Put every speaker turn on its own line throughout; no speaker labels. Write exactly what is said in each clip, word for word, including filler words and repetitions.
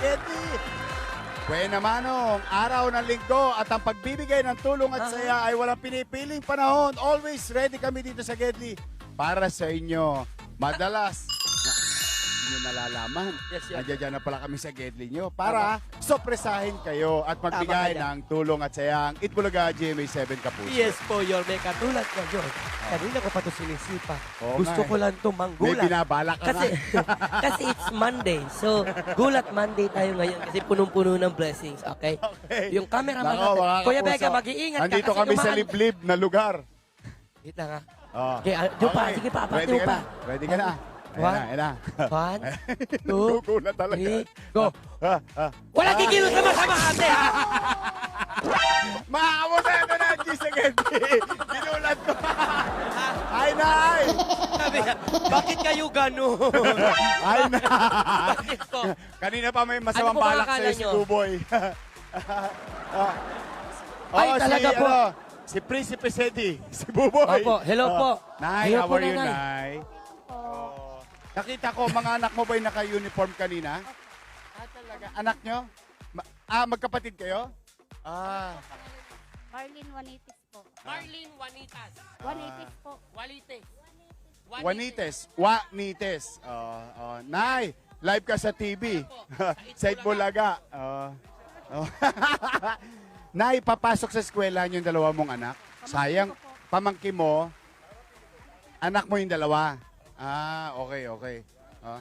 Gedli. Buena manong, araw ng linggo at ang pagbibigay ng tulong at saya ay walang pinipiling panahon. Always ready kami dito sa Gedli para sa inyo. Madalas, hindi nyo nalalaman.
Yes, yes.
Nandiyan na pala kami sa Gedli nyo para sorpresahin kayo at magbigay
Tama ka
ng tulong at saya ang Itbulaga G M A seven Kapuso.
Yes po, Yorme. Katulad ko yun. Kanina ko pa ito sinisipa.
Oo
Gusto
nga
ko
eh.
lang ito
May
manggulat.
binabalak ka
Kasi,
nga.
kasi it's Monday. So, gulat Monday tayo ngayon kasi punong-puno ng blessings, okay?
Okay.
Yung camera man
Nako,
natin.
mga
Kuya
kapuso,
Becca, mag-iingat ka.
Nandito
kasi
kami sa
dumaan-
liblib na lugar.
Wait lang ha.
Oh.
Okay, ah, yung pa, sige pa,
Ready
apati mo
ka
pa.
na? Ready ka na? Ayan
One.
na, ayan na.
One, two,
Gugulat talaga.
three, go.
Ah, ah.
Wala kikilos na masama ate ha!
Mga kamusta, ito na, G sa Gedli. Ginulat ko. Ay, nay!
Sabi niya, bakit kayo gano'n?
Ay, na!
Bakit ko?
Kanina pa may masamang
Ano po ba
balak
akala
sa'yo si
nyo?
Buboy. Ah.
Ay,
Oo,
talaga
si,
po.
Ano, si Prinsipe Sedi, si Buboy.
Opo, hello
Oh.
po.
Nay,
Hello
how
po,
are you,
nanay.
Nay? Oh. Nakita ko, mga anak mo ba'y naka-uniform kanina? Ah, talaga. Anak nyo? Ma- ah, magkapatid kayo? Ah.
Marlene Juanitis po.
Marlene Juanitas.
Juanitis po.
Walites.
Juanites. Juanites. Oh, oh. Nay, live ka sa T V. Sa Itbulaga. Oh. Oh. Nay, papasok sa eskwela yung dalawa mong anak. Sayang, pamangkin mo, anak mo yung dalawa. Ah, okay, okay. Oh.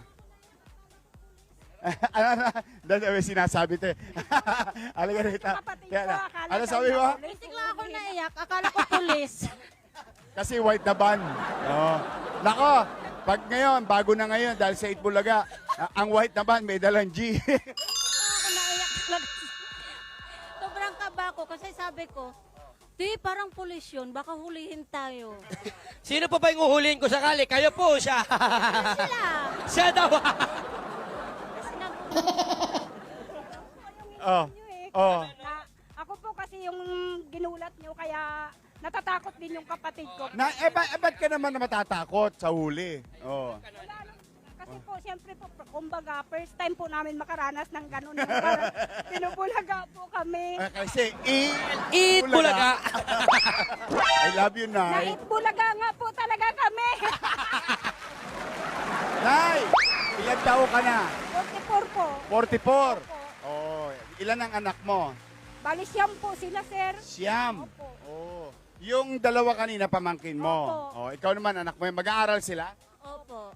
ano, ano, ano, may sinasabi te. Alaga rito.
Kapatid
Kaya
ko,
na.
akala
Ano
ko
sabi mo?
na- Bigla ako naiyak. Akala ko pulis.
Kasi white na ban. Oh. Nako, pag ngayon, bago na ngayon, dahil sa Itbulaga, a- ang white na ban, may dalang G.
Ako naiyak talaga. Sobrang kaba ko kasi sabi ko, di parang pulis yun. Baka hulihin tayo.
Sino po ba yung uhulihin ko sakali? Kayo po siya.
Sila.
Siya daw.
Kasi nag-
oh. Oh.
Na, ako po kasi yung ginulat nyo, kaya natatakot din yung kapatid ko.
Na, eh, ba, eh, ba't ka naman na matatakot sa huli? Oh.
Kasi po, siyempre po, kumbaga, first time po namin makaranas ng ganun. Yung parang pinupulaga po kami.
Eh, kasi, i-
Eat bulaga.
I love you, Nay.
Naitbulaga nga po talaga kami.
Nay, ilang tao ka na?
forty-four po.
forty-four. Oh, ilan ang anak mo?
Bali siyam po sila, sir.
Siyam.
Opo.
Oh. Yung dalawa kanina pamangkin mo.
Opo.
Oh, ikaw naman anak mo, mag-aaral sila?
Opo.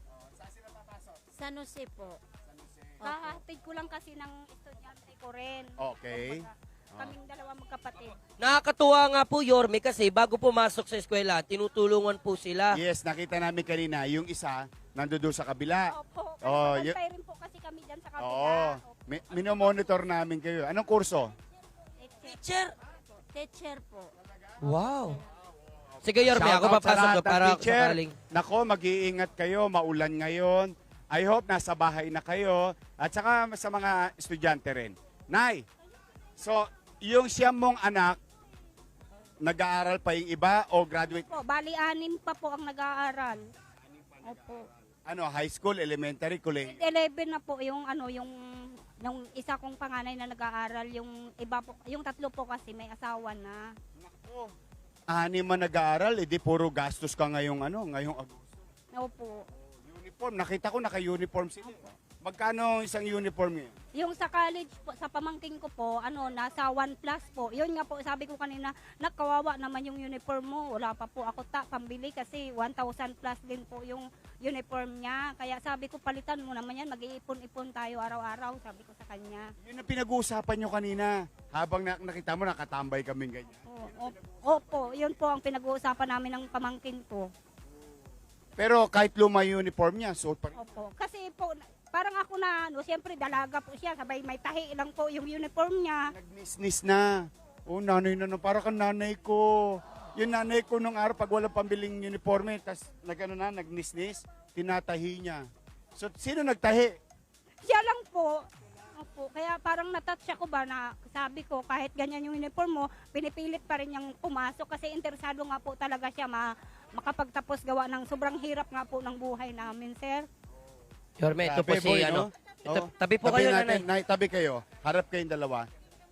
San Jose po.
Kahatid ko lang kasi ng estudyante ko rin.
Okay.
Kumbaga, kaming dalawa magkapatid.
Nakakatuwa nga po, Yorme, kasi bago pumasok sa eskwela, tinutulungan po sila.
Yes, nakita namin kanina, yung isa nandoon sa kabila.
Opo. Kasi
Oh,
oh,
y-
rin po kasi kami dyan sa kabila.
Oo. Mi- minomonitor namin kayo. Anong kurso?
Teacher.
Teacher po.
Wow. Sige, Yorme,
Shout
ako
out sa
papasok
lahat
ko
ng
para
teacher.
sakaling.
Nako, mag-iingat kayo, maulan ngayon. I hope nasa bahay na kayo. At saka sa mga estudyante rin. Nay, so yung siyam mong anak, nag-aaral pa yung iba o graduate?
Po, bali anim pa po ang nag-aaral. Opo.
Ano, high school, elementary, college?
eleven na po yung ano yung yung isa kong panganay na nag-aaral, yung iba po, yung tatlo po kasi may asawa na.
Nako, anim man nag-aaral, edi puro gastos ka ngayong ano, ngayong Agosto.
Opo.
Uniform, nakita ko naka-uniform sila. Magkano isang uniform niya?
Yung sa college po, sa pamangking ko po, ano, nasa one plus po. Yun nga po, sabi ko kanina, nakawawa naman yung uniform mo. Wala pa po ako ta, pambili kasi one thousand plus din po yung uniform niya. Kaya sabi ko, palitan mo naman yan, mag-iipon-ipon tayo araw-araw, sabi ko sa kanya.
Yun ang pinag-uusapan nyo kanina. Habang na- nakita mo, nakatambay kaming ganyan.
O, o- opo, yun po ang pinag-uusapan namin ng pamangking ko.
Pero kahit luma yung uniform niya, suot pa rin.
Opo, kasi po, parang ako na, ano, siyempre dalaga po siya, sabay may tahi lang po yung uniform niya.
Nagnisnis na. Oh, nanay na na. Para kang nanay ko. Yung nanay ko nung araw, pag walang pambiling uniforme, tas nag-ano na, nagnisnis, tinatahi niya. So, sino nagtahi?
Siya lang po. Opo, kaya parang natouch ako ba na sabi ko kahit ganyan yung uniform mo, pinipilit pa rin niyang pumasok kasi interesado nga po talaga siya ma makapagtapos gawa ng sobrang hirap nga po ng buhay namin, sir.
Yorme, ito po
Grabe,
si,
boy,
ano,
no?
Tab-
Oo.
tabi po
Tabi
kayo,
natin,
nanay.
Nay, tabi kayo. Harap kayong dalawa.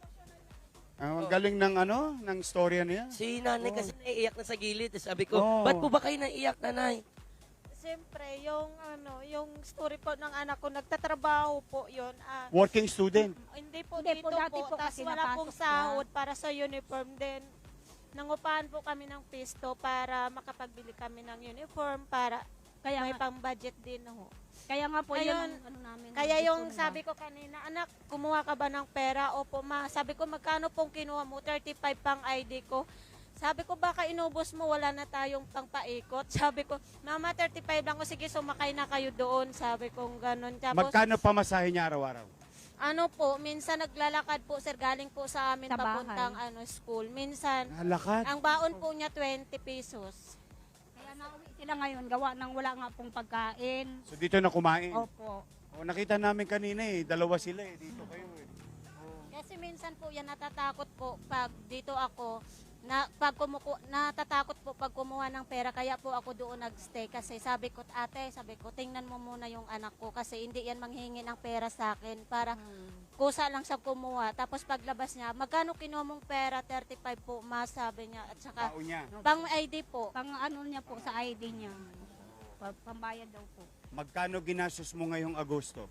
Ang galing ng ano, ng storya niya.
Si nanay kasi naiiyak na sa gilid. Eh, Sabi ko,
Oo.
ba't po ba kayo naiiyak, nanay?
Siyempre, yung ano, yung story po ng anak ko, nagtatrabaho po 'yon. Ah,
Working student.
hindi po
Hindi
dito
po, dati
po,
po
tas
kasi
wala pong
napasok
sahod para sa uniform din. Nangupahan po kami ng pisto para makapagbili kami ng uniform para
Kaya
may
nga,
pang-budget din ho.
kaya nga po
Ayun.
yun ang ano namin.
Kaya
gusto
yung
nila.
sabi ko kanina, anak, kumuha ka ba ng pera? Opo, ma. Sabi ko, magkano pong kinuha mo? thirty-five pang I D ko. Sabi ko, baka inubos mo, wala na tayong pangpaikot. Sabi ko, mama, thirty-five lang ko. Sige, sumakay na kayo doon. Sabi ko, ganun. Tapos,
Magkano pamasahe niya araw-araw?
ano po, minsan naglalakad po, sir, galing po sa amin
Sa bahay.
papuntang ano, school. Minsan,
Halakad.
ang baon po niya twenty pesos.
Kaya nauwi sila ngayon, gawa ng wala nga pong pagkain.
So dito na kumain.
Opo.
Oh, nakita namin kanina eh, dalawa sila eh, dito kayo eh.
Kasi minsan po yan natatakot po pag dito ako na pag kumuku natatakot po pag kumuha ng pera kaya po ako doon nagstay kasi sabi ko ate sabi ko tingnan mo muna yung anak ko kasi hindi yan manghingi ng pera sa akin para kusa lang siya kumuha tapos paglabas niya magkano kinuha mong pera thirty-five po ma sabi niya at saka
Tao niya.
pang I D po
Pang ano niya po sa I D niya. Pa- Pambayad daw po.
Magkano ginastos mo ngayong Agosto?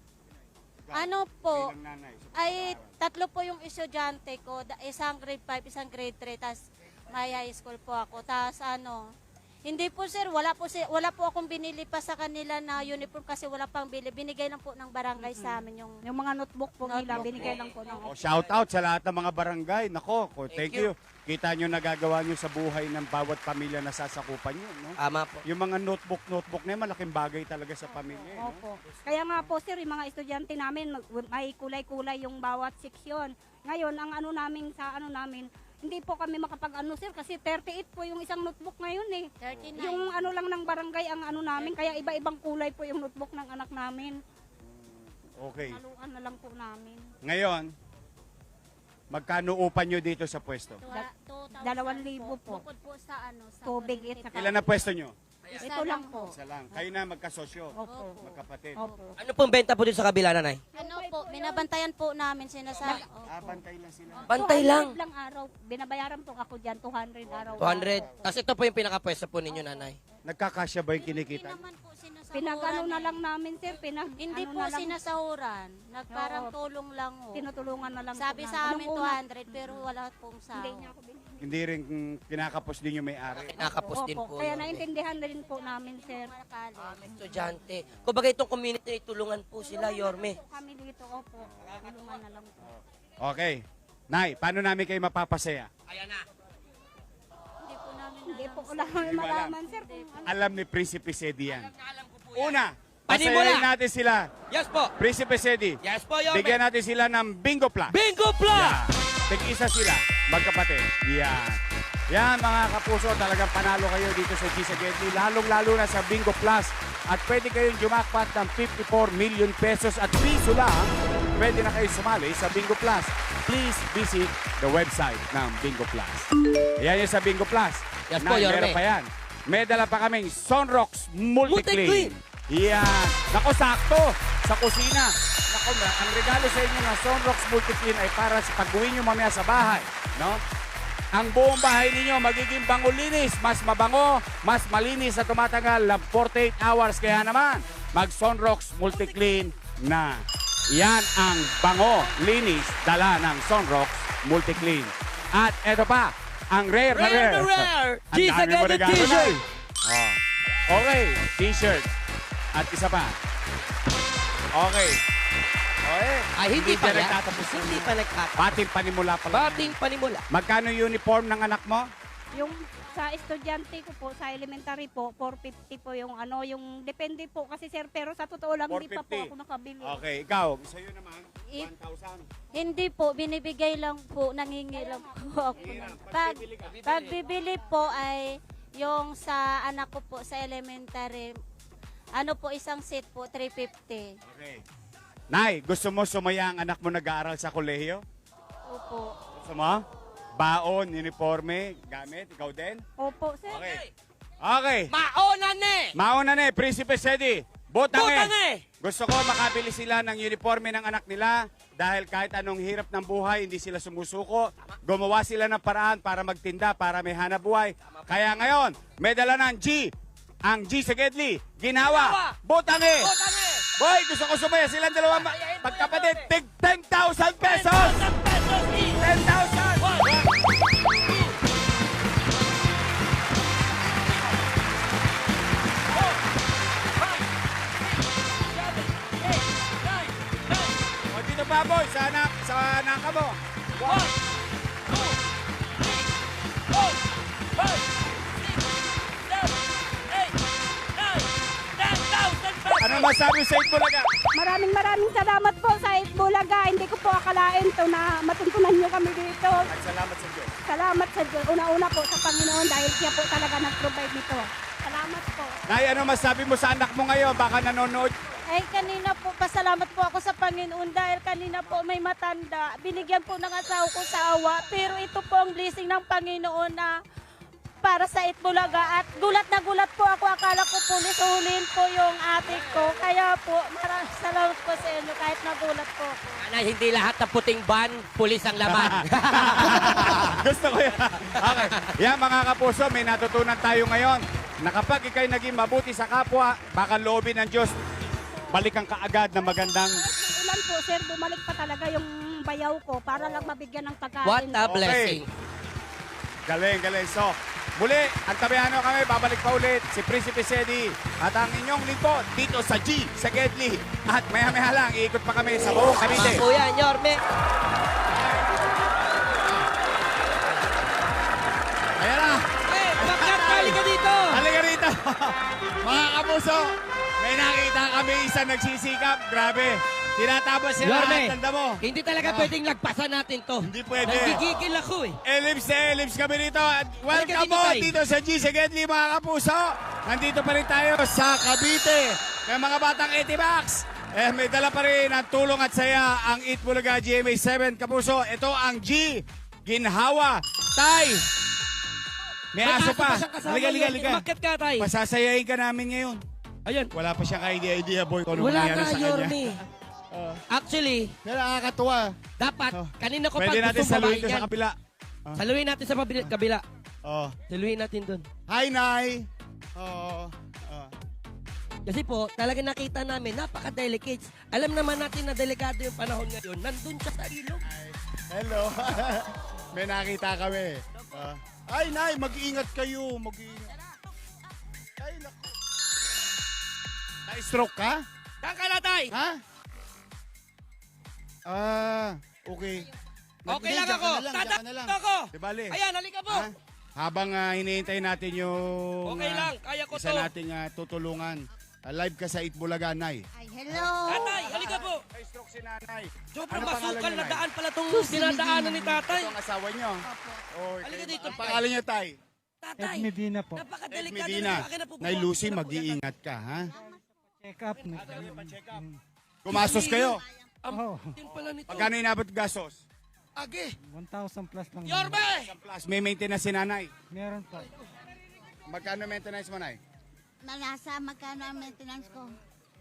ano po
Bilang nanay, sa
ay
pag-aaral.
tatlo po yung estudyante ko, da- isang grade five, isang grade three, tas may high school po ako. Tas ano, hindi po sir, wala po si wala po akong binili pa sa kanila na uniform kasi wala pang bili. Binigay lang po ng barangay sa amin yung
Yung mga notebook po nila,
Notebook
binigay
po.
lang po ng
Oh, shout out sa lahat ng mga barangay. Nako, ko, thank,
Thank
you. Kita nyo nagagawa nyo sa buhay ng bawat pamilya na sasakupan nyo. No?
Ama po.
Yung mga notebook-notebook na yan, malaking bagay talaga sa pamilya. eh, No?
Opo. Kaya nga po sir, yung mga estudyante namin, mag- may kulay-kulay yung bawat seksyon. Ngayon, ang ano namin sa ano namin, hindi po kami makapag-ano sir kasi thirty-eight po yung isang notebook ngayon eh.
thirty-nine.
Yung ano lang ng barangay ang ano namin, kaya iba-ibang kulay po yung notebook ng anak namin.
Okay.
Haluan na lang po namin.
Ngayon, magkano upan nyo dito sa pwesto?
Tuwa- two thousand
Dalawang libo po.
Bukod po sa ano, sa
Tubig
kuryente.
at saka-
Ilan na pwesto nyo?
Isa
Ito lang po.
Isa lang. Kayo na magkasosyo.
Opo.
Magkapatid.
Opo.
Ano pong benta po dito sa kabila, nanay?
Ano po, binabantayan po namin sinasa.
Ah, bantay lang sila.
Bantay
two
lang.
hundred lang araw. Binabayaran po ako dyan, two hundred araw.
two hundred. Tapos ito po yung pinakapwesto po ninyo, nanay.
Nagkakasya ba yung
Hindi
kinikita?
naman po sinasahuran.
Pinagano na
eh.
lang namin sir, pinag
Hindi
ano
po
na lang,
sinasahuran. Nagparang
Oo.
tulong lang ho.
tinutulungan na lang. po
Sabi
namin.
sa amin
Nung
two
una,
hundred pero wala pong
Hindi
sahod.
niya ako binigyan.
Hindi rin mm, kinakapos din yung may-ari.
Nakapos din
Opo,
po.
kaya
yun, eh.
naintindihan din po namin sir.
Makakali.
Mga estudyante. Kung bagay itong community, tulungan po sila, Yorme.
Kami dito, opo. Tulungan na lang po.
Okay. Nay, paano namin kayo mapapasaya?
Ayan na.
Hindi po namin
Hindi
alam.
po ko lang
Hindi mo alam.
malaman sir kung ano.
Alam ni Prinsipe Sedi yan. Una,
Panimula.
pasayain natin sila.
Yes po.
Prinsipe Sedi,
Yes po, Yorme.
bigyan natin sila ng Bingo Plus.
Bingo Plus!
Yeah. Tig-isa sila, magkapatid. Yan. Yan mga kapuso, talagang panalo kayo dito sa G sa Gently, lalong-lalo na sa Bingo Plus. At pwede kayong jumakpat ng fifty-four million pesos at piso lang. Pwede na kayo sumali sa Bingo Plus. Please visit the website ng Bingo Plus. Yan yung sa Bingo Plus.
Yes
Na,
po, Yorme.
meron pa yan. May dala pa kaming Sunrocks Multi-Clean.
Multi-Clean.
Yan. Nako, sakto. Sa kusina. Nako, ang regalo sa inyo ng Sunrocks Multi-Clean ay para sa pag-uwi nyo mamaya sa bahay. No? Ang buong bahay ninyo magiging bangulinis, mas mabango, mas malinis at tumatagal ng forty-eight hours. Kaya naman, mag Sunrocks Multi-Clean na. Yan ang bango, linis, dala ng Sunrocks Multi-Clean. At eto pa, ang rare na
Rare
rare.
na rare!
Ang
G sa
dami mo
Gently
regalo na.
t-shirt!
Oh. Okay, t-shirt. At isa pa. Okay. Okay.
Ay, hindi pa
dyan
yan.
nagtatapos.
Hindi pa nagtatapos.
Bating panimula pa lang.
Bating panimula.
Magkano uniform ng anak mo?
Yung sa estudyante ko po, sa elementary po, four fifty po yung ano, yung depende po kasi sir, pero sa totoo lang, hindi pa po
four fifty.
ako nakabili.
Okay, ikaw. Sa'yo naman,
If-
one thousand.
Hindi po, binibigay lang po, nangingi lang po ako.
Hirap.
Pag,
Pagbibili ka.
pag bibili po ay yung sa anak ko po sa elementary, ano po isang set po, three fifty.
Okay. Nay, gusto mo sumaya ang anak mo nag-aaral sa kolehiyo?
Opo.
Gusto mo? Baon, uniforme, gamit, ikaw din?
Opo, sir.
Okay. Okay.
Maona ne!
Mauna na eh, Prinsipe Sedi. Butange.
Butange!
Gusto ko makabili sila ng uniforme ng anak nila dahil kahit anong hirap ng buhay, hindi sila sumusuko. Gumawa sila ng paraan para magtinda, para may hanap buhay. Kaya ngayon, may dala ng G. Ang G sa Gedli, Ginhawa, Butange.
Butange!
Boy, gusto ko sumaya silang dalawa ma- magkapatid. Tig ten thousand pesos! ten thousand! O dito pa, boy, sa anak, sa naka mo. One, two, three, four, five, six, seven, eight, nine, ten thousand pesos! Ano masabi sa Itbulaga?
Maraming maraming salamat po sa Itbulaga. Hindi ko po akalain to na matuntunan nyo kami dito.
At salamat sa Diyos.
Salamat sa Diyos. Una-una po sa Panginoon dahil siya po talaga nag-provide nito. Salamat po.
Nay, ano masabi mo sa anak mo ngayon? Baka nanonood.
Ay, kanina po, pasalamat po ako sa Panginoon dahil kanina po may matanda. Binigyan po ng asawa ko sa awa. Pero ito po ang blessing ng Panginoon na para sa Itbulaga. At gulat na gulat po ako. Akala ko pulis uhulihin po yung ate ko. Kaya po, maraming salamat po sa inyo kahit nagulat po ako.
Ana, hindi lahat ng puting ban, pulis ang laman.
Gusto ko yan. Okay. Yan mga kapuso, may natutunan tayo ngayon na kapag ikay naging mabuti sa kapwa, baka loobin ng Diyos, balikan ka agad na magandang...
Ulan po, sir, bumalik pa talaga yung bayaw ko para lang mabigyan ng pagkain.
What a blessing.
Galing, galing. So, muli, ang tabiano kami, babalik pa ulit si Prinsipe Sedi at ang inyong lingkod dito sa G, sa Gedli. At maya-maya lang, iikot pa kami sa buong Cavite.
Mga kuya, Yorme.
Ayan na.
Eh, bakit kali ka dito?
Halika rito. Mga kapuso, may nakita kami isa nagsisikap. Grabe. Tinatapos sila
Yorme,
lahat. Tanda mo.
hindi talaga
Ah.
pwedeng lagpasan natin to.
Hindi pwede.
Nagigigil ako eh.
Ellipse na ellipse kami dito. At
Halika
welcome
dito,
po
Tay.
dito sa G sa Gedli mga kapuso. Nandito pa rin tayo sa Cavite. May mga batang eighty bucks. Eh, may dala pa rin ang tulong at saya ang Itbulaga G M A seven kapuso. Ito ang G. Ginhawa. Tay. May aso pa.
siyang kasama
Halika, halika,
yun.
halika.
Umakyat ka, Tay.
Pasasayain ka namin ngayon.
Ayun.
Wala pa siyang idea-idea, boy, kung ano
Wala
mangyayari
ka,
sa kanya.
Yorme. Actually,
Pero nakakatuwa.
dapat,
Oh.
kanina ko
Pwede
pag
natin
gusto
saluhin
babae
ko sa
yan.
kapila.
Saluhin natin sa pabili- kabila.
Oh.
Saluhin natin dun.
Hi, Nay. Oh. Oh.
Kasi po, talaga nakita namin, napaka-delicate. Alam naman natin na delikado yung panahon ngayon. Nandun siya sa ilog.
Hello. May nakita kami. Ah. Ay, Nay, mag-iingat kayo. Mag-iingat. Ay, naku. Na-stroke ka?
Kaka na, Tay!
Ha? Ah, okay.
Okay lang
Diyan ka
ako.
na lang, diyan ka na lang.
Tatak ako.
Di bale.
Ayan, halika po.
Ha? Habang ah, hinihintay natin yung
Okay
ah,
lang, kaya ko
isa
to.
nating ah, tutulungan. Ah, live ka sa Itbulaga, Nay.
Ay, hello.
Tatay, halika po.
May stroke si Nanay.
Sobrang
Ano pangalan
masukal
niyo,
na
Nay?
daan pala itong dinadaanan ni tatay.
Ito ang asawa niyo. Oh,
Halika dito,
Ang
Tay.
pangalan niya, Tay.
Tatay,
Ed Medina po.
Ed
napakadelikado
Medina.
na akin na po.
Nay Lucy, mag-iingat ka, ha?
Check up.
Gumastos kayo.
Oh,
Din pala nito.
Magkano inabot gastos?
Age!
one thousand plus lang.
Yorme!
Plus, may maintenance si Nanay.
Meron po.
Magkano maintenance mo, Nay?
Malasa, magkano ang maintenance ko?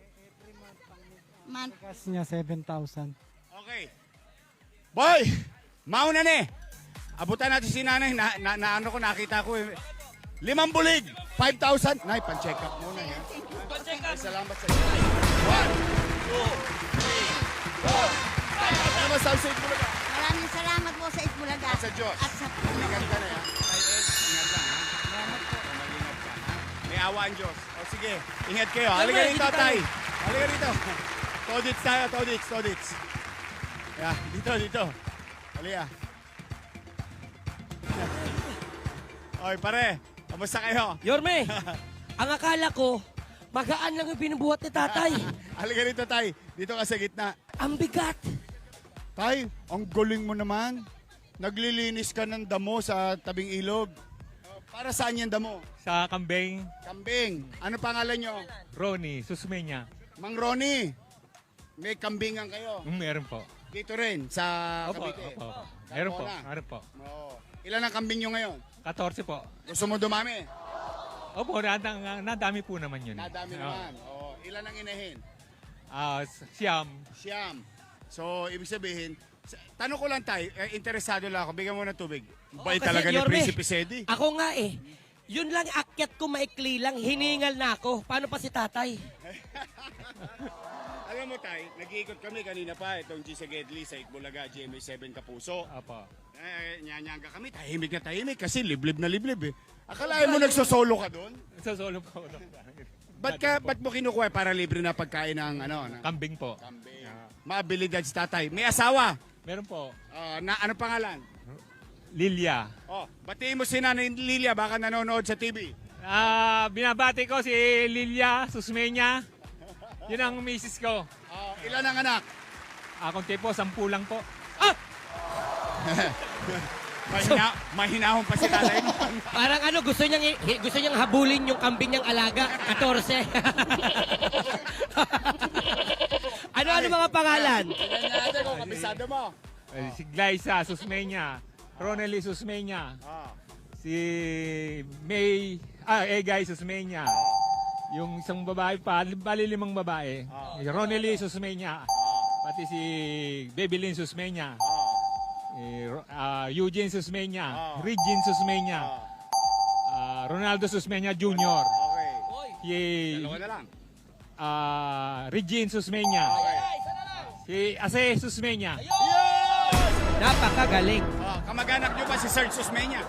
Man,
Gas niya seven thousand.
Okay. Boy! Mauna ni! Abutan natin si Nanay. Na, na, na ano ko, nakita ko eh. Limang bulig! five thousand! Nay, pan-check up muna yan.
Check up.
Ay, salamat sa iyo. One, two, three, four, five. Ano masabi sa Itbulaga?
maraming salamat po sa Itbulaga.
At sa Diyos.
At sa
Ingat ka na yan. Ay, eh, ingat lang, ha? Salamat po. Mag-ingat ka, ha? May awa ang Diyos. O sige, ingat kayo. Halika
Siyempre,
rito,
dito
Tay.
tayo.
Halika rito. Todits tayo, Todits, Todits. Yeah, dito, dito. Halika. Oy, pare. Kamusta kayo?
Yorme! Ang akala ko, magaan lang yung binubuhat ni tatay.
Halika rito, Tay. Dito ka sa gitna.
Ang bigat.
Tay, ang galing mo naman. Naglilinis ka ng damo sa tabing ilog. Para saan yan damo?
Sa Kambing,
Kambing. Ano pangalan nyo?
Ronnie, Susmenya.
Mang Ronnie. May kambingan kayo.
Mm, meron po.
Dito rin, sa
Opo,
Cavite.
opo, opo. Meron po,
Carmona.
meron po.
Oo. Ilan ang kambing nyo ngayon?
fourteen po.
Gusto mo dumami?
Opo, nadang, nadami po naman yun.
Nadami
Oo.
naman. Oo. Ilan ang inahin?
Ah, siyam.
Siyam. So, ibig sabihin, sa- tanong ko lang tayo, eh, interesado lang ako, bigyan mo ng tubig. Bait
kasi,
talaga ni
Yorme,
Prinsipe Sedi.
Ako nga eh. Yun lang, akyat ko maikli lang. Hiningal na ako. Paano pa si tatay?
Alam mo tay, nag-iikot kami kanina pa, itong G. Sagedli sa Itbulaga, G M A seven Kapuso.
Opo.
Eh, nyanyanga kami, tahimik na tahimik kasi liblib na liblib eh. Akalain mo nagsosolo ka doon?
Sa solo po.
Ba't ka, ba't mo kinukuha para libre na pagkain ng ano? Ng
Kambing po.
kambing? Maabilidad si tatay. May asawa.
Meron po.
Ah, na ano pangalan?
Lilia.
Oh, batiin mo si Nanay Lilia, baka nanonood sa T V.
Ah, binabati ko si Lilia Susmeña. Yun ang misis ko.
Ah, ilan ang anak?
Akong tipo, sampu lang po.
Mahina, mahinahon pa si nanay mo.
Parang ano, gusto niyang, i- gusto niyang habulin yung kambing niyang alaga. fourteen. Ano-ano mga pangalan?
Tingnan natin kung kabisado mo.
Eh, Si Glyza Susmeña. Ronely Susmeña.
Ah,
Si May, ah, Egay Susmeña. Yung isang babae pa, bali limang babae.
Ah.
Si Ronely Susmeña. Pati si Babylin Susmeña.
ah,
Eh, Ro- ah, Eugene Susmeña.
Ah.
Regine Susmeña.
ah.
ah, Ronaldo Susmeña Junior
Okay.
Si
Dalawa na lang.
ah, Regine Susmeña.
Okay.
Si Ase Susmeña.
Napakagaling.
Ah, kamag-anak nyo ba si Serge Susmeña?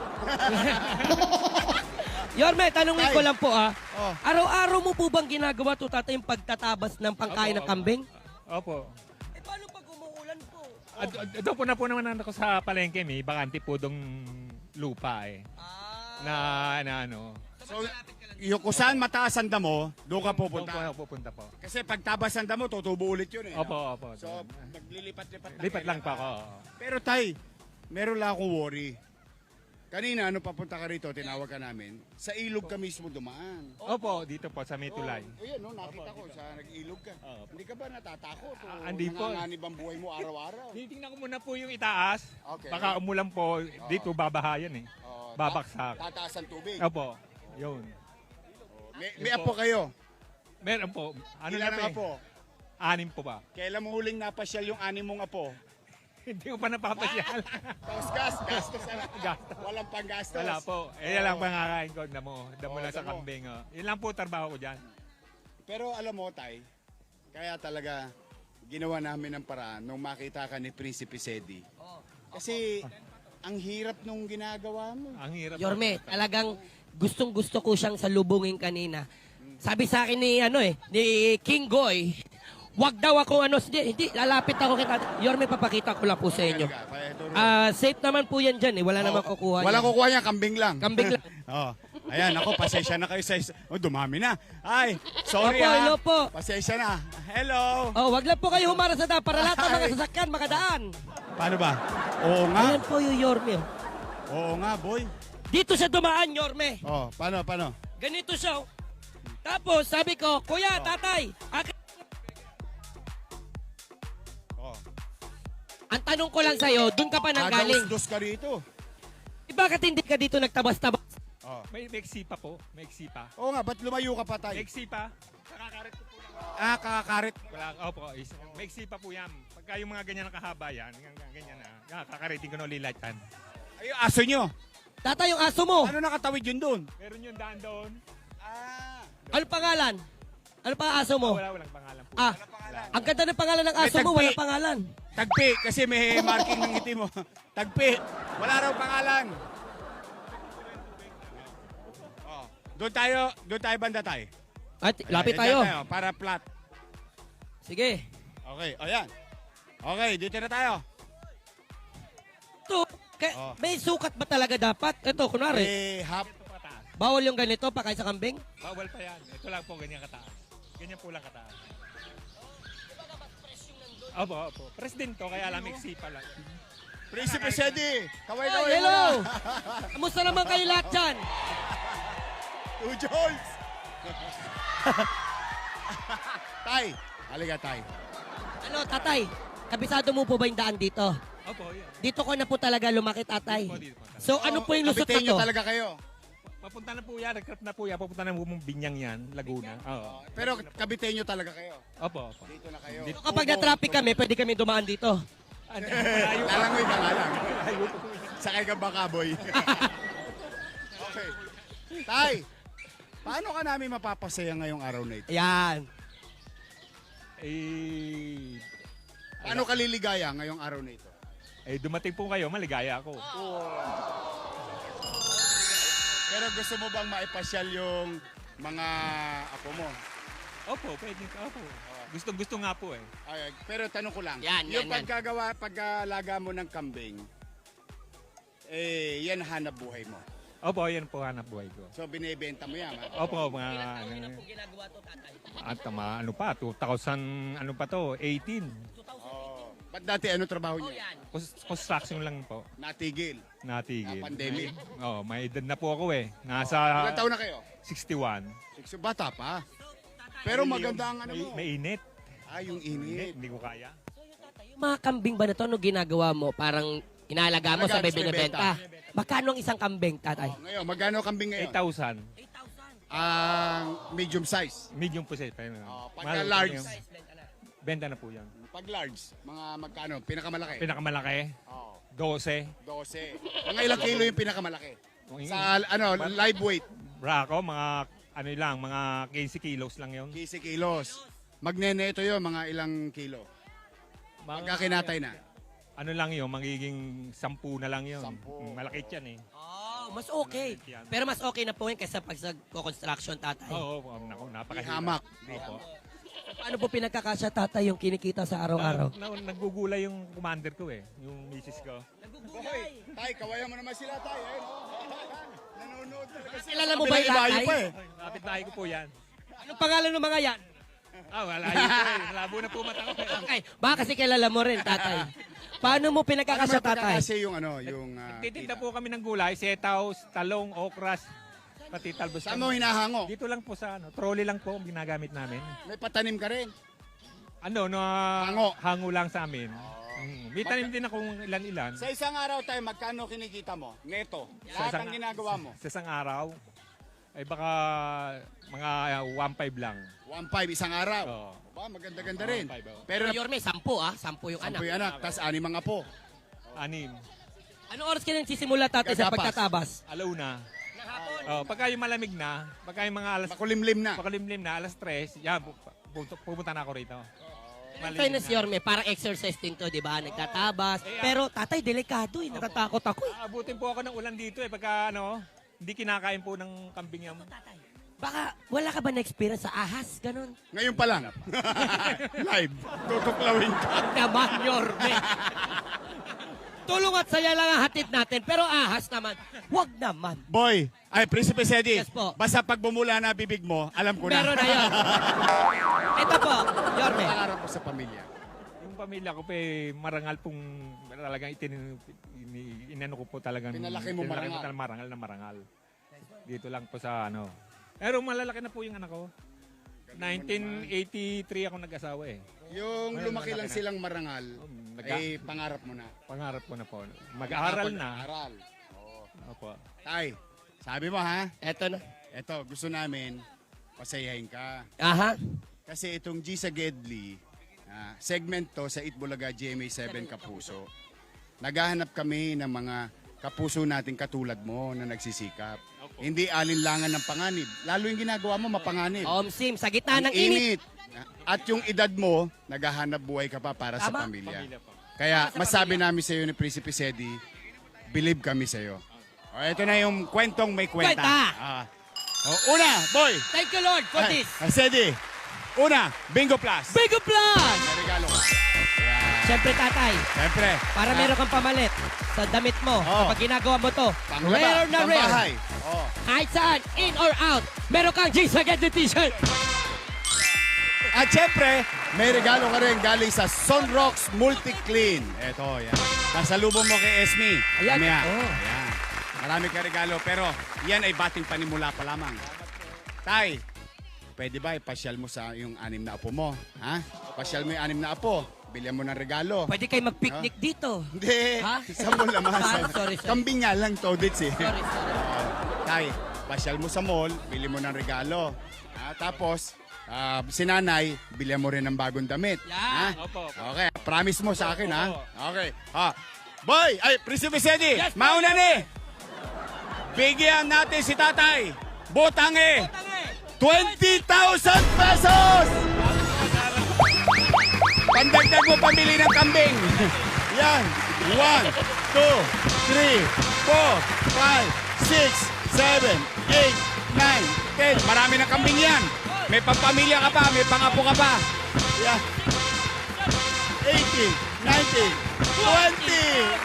Yorme, tanungin
Tay.
ko lang po ah.
Oh.
Araw-araw mo po bang ginagawa to tatay yung pagtatabas ng pangkain ng
Opo,
kambing?
Opo.
Eh paano pag umuulan po?
At at- doon po na po naman ako sa palengke, may bakante po dong lupa eh.
Ah.
Na, na ano.
So, yung kung saan mataas ang damo, doon ka
Doon po
pupunta.
ako pupunta po.
Kasi pag tabas ang damo, tutubo ulit yun eh. no?
Opo, opo.
So, maglilipat-lipat.
Lipat lang pa ako.
Pero tay, meron lang akong worry. Kanina, ano papunta ka rito, tinawag ka namin, sa ilog ka mismo dumaan.
Opo, dito po sa Mitulay.
Oh, ayan, no, nakita ko, sa nag-ilog ka.
Opo.
Hindi ka ba natatakot? O
Ah, hindi po.
nanganganib ang buhay mo araw-araw?
Titingnan ko muna po yung itaas.
Okay.
Baka umulan po, dito babahayan eh.
Oh,
Babaksak.
ta- Tataas ang tubig.
Opo, yun.
May, may apo kayo.
Meron po. Ano
Ilan
na
ang
po eh?
apo?
Anim po ba?
Kailan mo huling napasyal yung anim mong apo?
Hindi ko pa napapasyal.
Tapos gas, gastos na.
Gastos.
Walang panggastos.
Wala po. Eh, yan lang pangakain ko. Damo, damo
Oo,
lang sa
damo.
kambing. Oh. Yan lang po trabaho ko dyan.
Pero alam mo, Tay, kaya talaga ginawa namin ng paraan nung makita ka ni Prinsipe Sedi. Kasi ang hirap nung ginagawa mo.
Ang hirap.
Yorme, talagang gustong gusto ko siyang salubungin kanina. Sabi sa akin ni ano eh, ni King Goy, wag daw ako ano, hindi, hindi lalapit ako kay tatay. Yorme, papakita ko lang po sa inyo.
Talaga, kaya turo.
Ah, safe naman po yan dyan eh. Wala namang kukuha
Wala
yan.
kukuha niya, kambing lang.
Kambing lang.
oh. Ayan, ako, pasensya na kayo sa isa. Oh, dumami na. Ay, sorry
Opo,
ah.
hello po.
Pasensya na. Hello.
Oh, wag lang po kayo humara sa daan para lahat ng mga sasakyan makadaan.
Paano ba? Oo nga.
Ayan po yung Yorme.
Oo nga, boy.
Dito siya dumaan, Yorme.
Oh, paano, paano?
Ganito siya. oh. Tapos sabi ko, Kuya, tatay, akin.
Oh.
Ang tanong ko lang sa'yo, dun ka pa nang galing.
Dos ka rito.
Eh, bakit hindi ka dito nagtabas-tabas?
Oh.
May meksi pa po. Meksi pa.
Oo nga, ba't lumayo ka pa tayo?
Meksi pa. Nakakarit ko po lang.
Ah, kakakarit.
Wala, opo, is, meksi pa po yan. Pagka yung mga ganyan na kahaba yan, ganyan, ganyan na, yan, kakaritin ko na ulilatan.
Ay, yung aso nyo.
Tatay, yung aso mo.
Ano nakatawid yun doon?
Meron yung daan doon.
Ah.
Ano pangalan? Ano pa aso mo?
Wala, walang pangalan po.
Ah, ang ganda ng pangalan ng aso
May
mo,
tagpi.
wala pangalan.
Tagpi, kasi may marking ng ngiti mo. Tagpi. Wala raw pangalan. Oh. Doon tayo, doon tayo banda tayo.
At lapit
Ayan,
tayo.
dyan Para flat.
Sige.
Okay, ayan. Okay, dito na tayo.
Ito, kay,
Oh.
may sukat ba talaga dapat? Ito, kunwari,
Eh, hap.
Ito kataas.
bawal yung ganito pa kaysa kambing?
Bawal pa yan. Ito lang po, ganyan kataas. Ganyan po lang kataas. Opo, opo. President to, kaya lang meksi pa lang.
Prinsipe Sedi,
Ay,
kaway-kaway
hello!
mo na.
Kamusta naman kayo lahat dyan?
Two Jones. Tay, halika tay.
Ano, tatay? Kabisado mo po ba yung daan dito?
Opo, yan.
Dito ko na po talaga lumaki, tatay.
Dito po, dito po.
So, ano po yung lusot na
Kapitain nyo
to?
talaga kayo.
Papunta na po yan, nag-craft na po yan. Papunta na po mong Binyang yan, Laguna. Oo.
Pero Caviteño talaga kayo.
Opo, opo.
Dito na kayo.
So, kapag na-traffic kami, pwede kami dumaan dito.
Ano, malayo pa.
Lalangoy ka nga lang.
Malayo pa po.
Sakay ka ba, kaboy? Okay. Tay, paano ka namin mapapasaya ngayong araw na ito?
Yan.
Eh,
Paano ka liligaya ngayong araw na ito?
eh, dumating po kayo, maligaya ako.
Pero gusto mo bang maipasyal yung mga apo mo?
Opo, pwede ka. Opo. Gusto, gusto nga po eh.
Ay, pero tanong ko lang,
Yan, yan,
yung
yan.
pagkagawa, pagkalaga mo ng kambing, eh, yan hanap buhay mo.
Opo, yan po hanap buhay ko.
So, binibenta mo yan, ha?
Opo, mga ano,
ginagawa to, tatay?
at mga ano pa, two thousand ano pa to, eighteen.
Oh. Ba't dati ano trabaho niyo?
Cons- Construction lang po,
Natigil.
natigil.
Ah, pandemic.
Oh, may edad na po ako eh.
Ilang
Nasa
taon na kayo?
sixty-one.
Six, bata pa. Pero maganda ang ano
May,
mo.
may init.
Ah, yung
Init,
init.
hindi ko kaya.
Yung mga kambing ba na to, ano ginagawa mo? Parang inalaga mo sa
Alagaan,
bebenta. Magkano ang isang kambing, tatay?
Oh, ngayon, magkano kambing ngayon?
eight thousand.
Ang medium size.
Medium po siya.
Oh, pagka large.
Benta na po yan.
Pag large, mga magkano? Pinakamalaki?
Pinakamalaki,
Oh,
twelve.
twelve. Mga ilang kilo yung pinakamalaki?
Kung
Sa ano, live weight,
Brako, mga ano lang, mga fifty kilos lang yun.
fifty kilos. Magneneto yun, mga ilang kilo. Pagka kinatay na.
Ano lang yun, magiging sampu na lang yun.
Sampu.
Malaki yan eh.
Oh, mas okay. Pero mas okay na po yun kaysa pag sa construction, tatay.
Oo, oh, naku, napakahirap.
May hamak.
Opo.
Paano po pinagkakasya, tatay, yung kinikita sa araw-araw?
Na, na, nagugulay yung commander ko eh, yung misis ko.
Hoy, tay, kawayan mo naman sila, tay. Ayun, oh. Nanonood talaga sila.
Kilala mo ba yung
Ibayo
tatay?
pa eh.
Ay, kapit bahay ko po yan.
Anong pangalan ng mga yan?
Ah, wala yun po eh. Malabo na po mata ko eh.
Okay, baka kasi kilala mo rin, tatay. Paano mo
Ano
pinagkakasya, tatay?
Kasi yung ano, yung... ah,
Titinda
tita.
po kami ng gulay, setaw, talong, okras, pati talbos.
Saan mo hinahango?
Dito lang po sa ano, trolley lang po ang ginagamit namin.
May patanim ka rin.
Ano, no,
Hango.
hango lang sa amin. Mm. May tanim din akong ilan-ilan.
Sa isang araw tayo, magkano kinikita mo? Neto.
Sa
Lahat
isang-
ang ginagawa mo.
Sa isang araw, ay baka mga one five lang.
one five isang araw.
Oo.
Ba, maganda-ganda rin.
one five, oo.
Pero
Pero Yorme, sampu ah. Sampu yung
sampu
anak.
yung anak, tas anim ang apo.
Anim.
Anong oras ka nang sisimula, tatay, sa
Gagapas.
pagtatabas?
Alaw na. Oh, pagka yung malamig na, pagka yung mga alas,
Makulimlim na.
pakalimlim na, alas tres, yan, pu- pu- pupunta na ako rito.
Fairness, Yorme, parang exercise din to, di ba? Nagtatabas. Pero tatay, delikado eh. Natatakot ako eh.
Aabutin po ako ng ulan dito eh, pagka ano, hindi kinakain po ng kambing yan.
Baka wala ka ba na-experience sa ahas? Ganon.
Ngayon pa lang. Live. Tutuklawin ka.
Naman, Yorme. Tulong at saya lang ang hatid natin. Pero ahas naman, wag naman.
Boy, ay, Prinsipe Sedi.
Yes po.
Basta pag bumula na bibig mo, alam ko na.
Meron na yun. Ito po, Yorme.
Pangarap mo sa pamilya.
Yung pamilya ko pa eh, marangal pong talagang itin, ini- inano ko po talagang
Pinalaki mo
pinalaki
marangal.
ko talagang marangal na marangal. Dito lang po sa ano. Pero malalaki na po yung anak ko. nineteen eighty-three ako nag-asawa eh.
Yung
Ayun,
lumaki lang
malaki na.
silang marangal,
Um, nag-
ay pangarap mo na.
Pangarap ko na po. Mag-aaral na.
Aral.
Opo.
Tay, sabi mo ha,
Ito na.
eto, gusto namin, pasayahin ka.
Aha.
Kasi itong G sa Gedli, ah, segment to sa Itbulaga G M A seven Kapuso. Naghahanap kami ng mga kapuso natin katulad mo na nagsisikap. Hindi alinlangan ng panganib. Lalo yung ginagawa mo, mapanganib.
Omsim, sa gitna
Ang
ng init.
init. At yung edad mo, naghahanap buhay ka pa para sa
Tama.
pamilya.
Pamilya po.
Kaya masabi namin sa iyo ni Prinsipe Sedi, believe kami sa iyo. O, ito na yung kwentong may kwenta.
Kwenta!
Ah. O, una, boy.
Thank you, Lord, for
Ay,
this.
ah, Sedi. Una, Bingo Plus.
Big applause!
May regalo ka. Yan.
Siyempre, tatay,
Siyempre.
para
Ah,
meron kang pamalit sa damit mo,
Oo.
kapag ginagawa mo to,
panglaba,
rare na rare,
pambahay. Oh.
kahit saan, in or out, meron kang G Spaghetti t-shirt.
At siyempre, may regalo ka rin galing sa Sunrocks Multi Clean. Ito, yan. Pasalubong mo kay Esme.
Ayan.
Mamaya.
Oh.
Ayan. Marami ka regalo, pero yan ay bating panimula pa lamang. Tay, pwede ba ipasyal mo sa yung anim na apo mo? Ha? Pasyal mo yung anim na apo. Bilhan mo ng regalo.
Pwede kayo mag-picnic dito.
Hindi.
Ha?
Sa mall naman.
Ah, sorry, sorry.
Kambing nga lang, Todits eh.
Sorry, sorry.
Tay, pasyal mo sa mall, bili mo ng regalo. Ah, tapos, ah, si nanay, bilhan mo rin ng bagong damit.
Yeah.
Ha?
Opo, opo.
Okay, promise mo sa akin, ha?
Opo.
Okay. Ha. Boy, ay, Prinsipe Sedi,
Yes,
mauna ni. Bigyan natin si tatay. Botange. twenty thousand pesos! Pandagdag mo pamili ng kambing. Yan. one, two, three, four, five, six, seven, eight, nine, ten. Marami ng kambing yan. May pampamilya ka pa, may pangapo ka pa. Yan. eighteen, nineteen, twenty.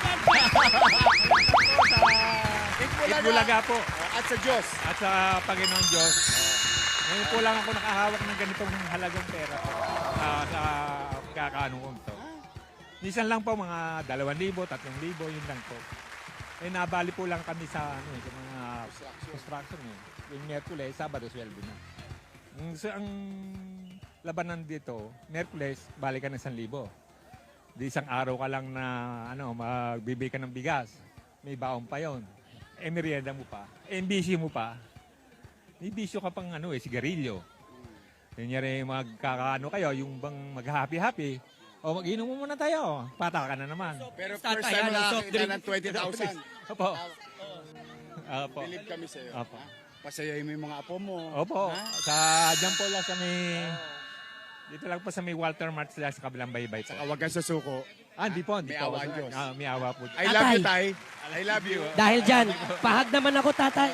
Itbulaga po.
At sa Diyos.
At sa Panginoon Diyos. Ngayon po lang ako nakahawak ng ganitong halagang pera po. Uh, sa kakaano ko to. Minsan lang po mga dalawang libo, tatlong libo, yun lang po. Eh nabali po lang kami sa ano eh, sa mga construction eh. Yung Merkules, Sabado, sweldo na. Ang, so, ang labanan dito, Merkules, balik ka ng isang libo. Di isang araw ka lang na ano, magbibigay ka ng bigas. May baon pa yon. Eh merienda mo pa. Eh bisyo mo pa. May bisyo ka pang ano eh, sigarilyo. Kunyari magkakaano kayo, yung bang mag-happy-happy. O mag-inom mo muna tayo. Pata ka na naman.
Pero
Tatay,
first time
ano,
na
soft
nakakita
drink.
ng twenty thousand.
Opo. Opo.
Believe kami sa'yo.
Opo.
Ha? Pasayayin mo yung mga apo mo.
Opo.
Ha?
Sa dyan po lang sa may... Dito lang po sa may Walter Mart sila sa kabilang baybay po.
Saka huwag kang susuko.
Ah, hindi po. Hindi
May
po.
awa ang Diyos.
Ah, may awa po.
I love you,
Tatay.
Tay. I love you.
Dahil dyan, pahag naman ako, tatay.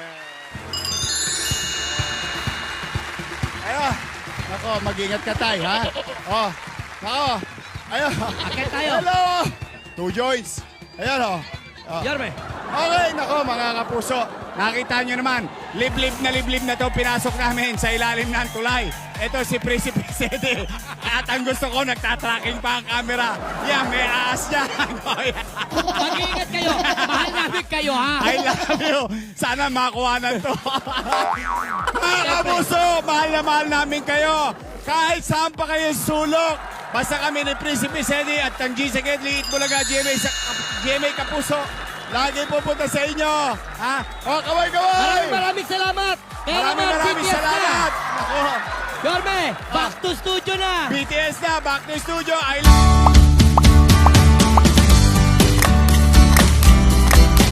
Ayo. Nako, mag-ingat ka, Tay, ha? Oh. Nako. Ayo.
Akit tayo.
Hello. Two joints. Ayan, oh. Oh.
Yorme.
Okay, nako mga kapuso. Nakita nyo naman, liblib na liblib na to pinasok namin sa ilalim ng tulay. Ito si Prinsipe Sedi. At ang gusto ko, nagtatracking pa ang camera. Yan, may aas dyan.
Mag-iingat kayo. Mahal namin kayo, ha?
I love you. Sana makuha na to. Mga kapuso, mahal na mahal namin kayo. Kahit saan pa kayo sulok. Basta kami ni Prinsipe Sedi at ang G. Sagedli, Itbulaga, G M A, sa, G M A Kapuso. Lagi pupunta sa inyo. Ha? O, kaway-kaway!
Maraming maraming salamat. Kaya
Maraming
naman,
maraming
B T S
salamat.
na.
Ako,
Yorme, back to studio na.
B T S na, back to studio. I love